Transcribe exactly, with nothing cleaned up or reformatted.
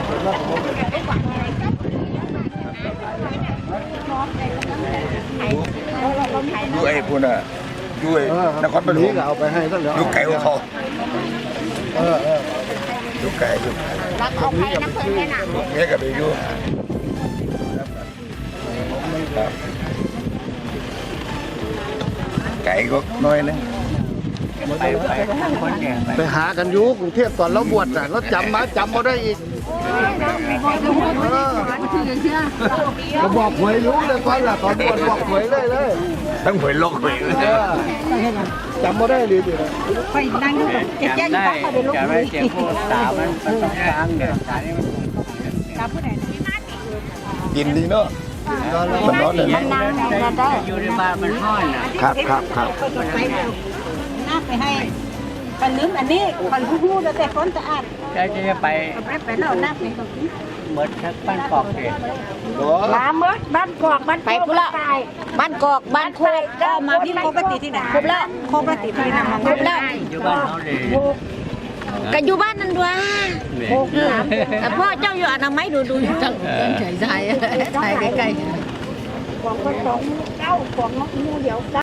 ดูไอ้พวกน่ะดูไอ้นครปฐมเอาไปให้ก็เหลือดูไก่ของเขาเออเออดูไก่ดูไก่รักเอาไปน้ำเพลินแค่หนักเนี้ยกับไปดูไก่ก็น้อยนะไปไปคนแก่ไปไปหากันอยู่กรุงเทพตอนเราบวชน่ะเราจำมาจำมาได้อีกเราบอกหวยรู้เลยก่อนล่ะตอนบวชบอกหวยเลยเลยต้องหวยลกหวยเลยจำมาได้เลยอยู่ไปนั่งดูแบบเจ๊เจ๊อยู่บ้านเขาเดี๋ยวลูกมือเจ็บปวดตามันมันต้องกลางเนี่ยตานี่มันจับผู้ใดกินดีเนาะมันร้อนเลยมันนั่งไหนก็ได้อยู่ในบ้านมันห้อนอ่ะครับครับครับไปเดี๋ยวน้าไปให้คนลืมอันนี้คนผู้พูดแล้วแต่คนสะอาดแล้วจะไปไปไปแล้วน้าไปตรงนี้เหมือนทักบ้านกอกเด็กมาเมื่อบ้านกอกบ้านไปพุ่ละบ้านกอกบ้านโคกก็มาพี่โคกติที่ไหนครบแล้วโคกติที่ไหนมาครบแล้วอยู่บ้านเขาเลยก็อยู่บ้านนั่นด้วยแต่พ่อเจ้าอยู่อนามัยดูดูอยู่จังใส่ใส่ใส่ใกล้ๆของก็สองเก้าของนกมูเดียว